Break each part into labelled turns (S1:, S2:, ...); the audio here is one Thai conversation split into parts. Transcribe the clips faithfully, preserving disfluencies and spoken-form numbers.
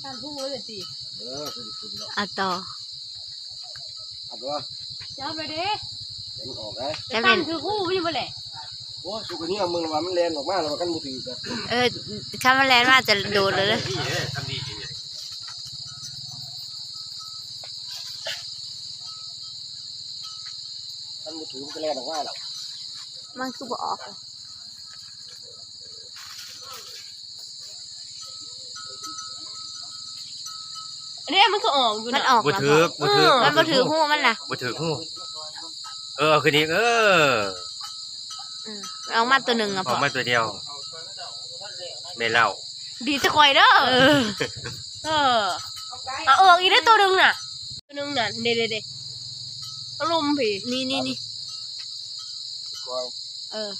S1: การพูดเลยสิเออคือคุณเนาะ
S2: อ่ะต่อ
S1: เอาตัวจับไปดิเล่นออกได้
S2: จะเป็น
S1: คือคู่ไม่ใช่ไหมโอ้สุกนี้เอามึงระวังมันแลนออกมาแล้วกันมือถือกัน
S2: เออถ้ามันแลนมาจะโดดเลยเลย
S1: ทำดีจริงเลยมันมือถือมันจะแลนออกมาหรอ
S2: มันคือบ่ออก
S3: อันนี้มันก็ออกอยู่
S2: มันออก
S4: บ่ถือบ่ถือ
S2: มันบ่ถือหูมันน่ะ
S4: บ่ถือหูเออคืนนี้เออ
S2: ออกมาตัวหนึ่งอ่ะ
S4: ออกมาตัวเดียวไม่เล่า
S3: ดีจะคอยเด้อเออเออเอาออกอีกได้ตัวหนึ่งน่ะตัวหนึ่งน่ะเด็ดเด็ดอารมณ์ผี
S2: นี่นี่นี่เออ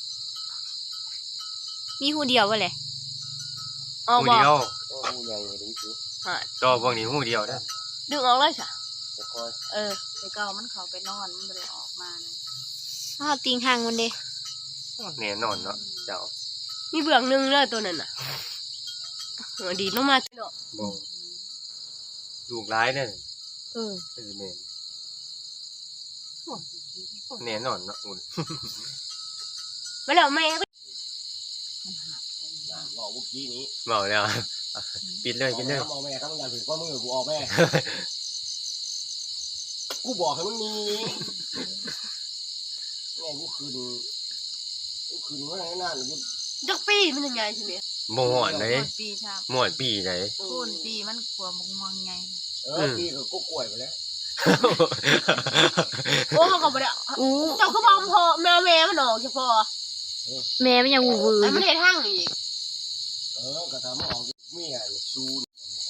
S2: มีหูเดียววะเลย
S3: ออก
S4: หูเดียว
S1: หูใหญ่เลยดิคือ
S4: ต่อพวกนี้หูเดียวนะ
S3: ดึงออกเลยจ้ะ
S2: เออ
S3: ไปเก่ามันเขาไปนอนมันไม่ได้ออกมาเลย
S2: ถ้าติงห่างมันเด้
S4: แน่นอนเนาะเจ้า
S3: มีเบื้องหนึ่งเลยตัวนั้นน่ะดีลงมาเนาะ
S4: บ่ลูกร้ายเนี่ย
S3: เออ
S4: เป็นแม่แน่นอนเนาะอุ่น
S3: ไปแล้วแม่
S1: บอกเมื่อกี้นี้
S4: บอกแล้วปิดเลยปิดเลย
S1: บอกแม่ข้างหลังถือข้อมือกูออกแม่กูบอกให้มันมีแม่กูคืนกูคืนว่าไงนั่นกู
S3: จักปีมันยังไงใช่ไหม
S4: หมวนเลยหมวนปีไหน
S2: คูณปีมันขวบมงไง
S1: เออปีก็กูกล้วยไปแล้ว
S3: โอ้เขาก็บ่ได้เจ้าก็บอกพอแม่แม่มันออกเฉพาะ
S2: แม่มันยังวูว
S3: ไอ้มันเฮ็ดหั่งอีก
S1: เออกระทำออกเมียซูน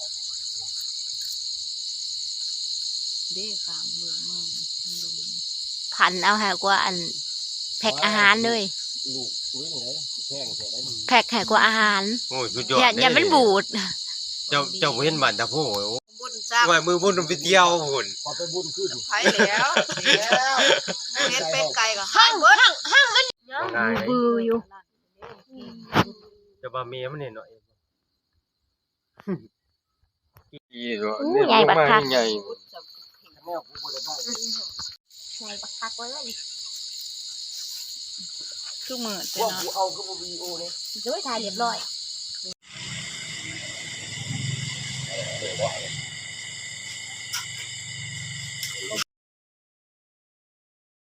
S2: เด้ขามเมืองเมืองพันเอาหากว่าอันแพ็คอาหารเลย
S1: ลูกคุยไหนแพงแค่ไหน
S2: แพ็คแค่กว่าอาหาร
S4: โอ้ยสุดยอด
S2: อย่าอย่าเป็นบูด
S4: เจ้าเจ้าเห็นบ้านตะโพว่ามือบุญไปเที่ยวหุ่น
S1: พอไปบุญขึ้น
S5: ไปแล้วแล้วเฮ็ดเป็ดไก่ก็
S3: หั่งเบิดหั่งหั่งมัน
S2: บืออยู่
S4: จะบ่าเมียมันเห็นหน่อย
S2: ใหญ่บักคัก
S4: ใหญ่
S1: แม่กูบ่ได้บ้าน
S2: ใหญ่บักคักเลย
S5: คือมือ
S1: พวกกูเอาก็บ่วีโอนี่
S2: จะไปถ่ายเรียบร้อย